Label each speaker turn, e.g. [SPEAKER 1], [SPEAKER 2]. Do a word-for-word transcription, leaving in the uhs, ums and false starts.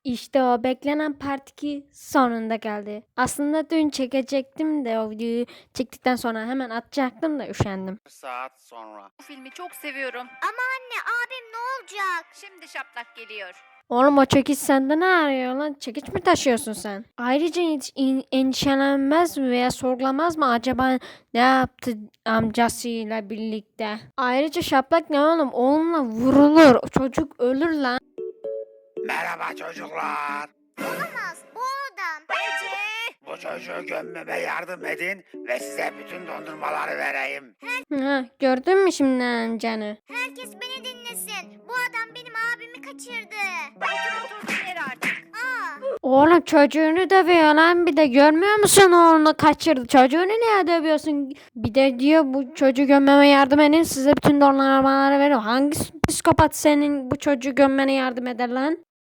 [SPEAKER 1] İşte o beklenen part iki sonunda geldi. Aslında dün çekecektim de o videoyu çektikten sonra hemen atacaktım da üşendim.
[SPEAKER 2] saat sonra.
[SPEAKER 3] Bu filmi çok seviyorum.
[SPEAKER 4] Ama anne abim ne olacak?
[SPEAKER 3] Şimdi şaplak geliyor.
[SPEAKER 1] Oğlum o çekiç sende ne arıyor lan? Çekiç mi taşıyorsun sen? Ayrıca hiç in- endişelenmez mi veya sorgulamaz mı acaba ne yaptı amcasıyla birlikte? Ayrıca şaplak ne oğlum? Oğlumla vurulur. Çocuk ölür lan.
[SPEAKER 2] Merhaba çocuklar.
[SPEAKER 4] Olamaz bu adam.
[SPEAKER 3] Ece!
[SPEAKER 2] Bu çocuğu gömmeme yardım edin ve size bütün dondurmaları vereyim.
[SPEAKER 1] Ha, gördün mü şimdi amcanı?
[SPEAKER 4] Herkes beni dinlesin. Bu adam benim abimi kaçırdı.
[SPEAKER 3] Otur otur yer artık.
[SPEAKER 4] Aa,
[SPEAKER 1] Oğlum çocuğunu dövüyor lan bir de görmüyor musun oğlunu kaçırdı. Çocuğunu niye dövüyorsun? Bir de diyor bu çocuğu gömmeme yardım edin size bütün dondurmaları veriyor. Hangi psikopat senin bu çocuğu gömmene yardım eder lan?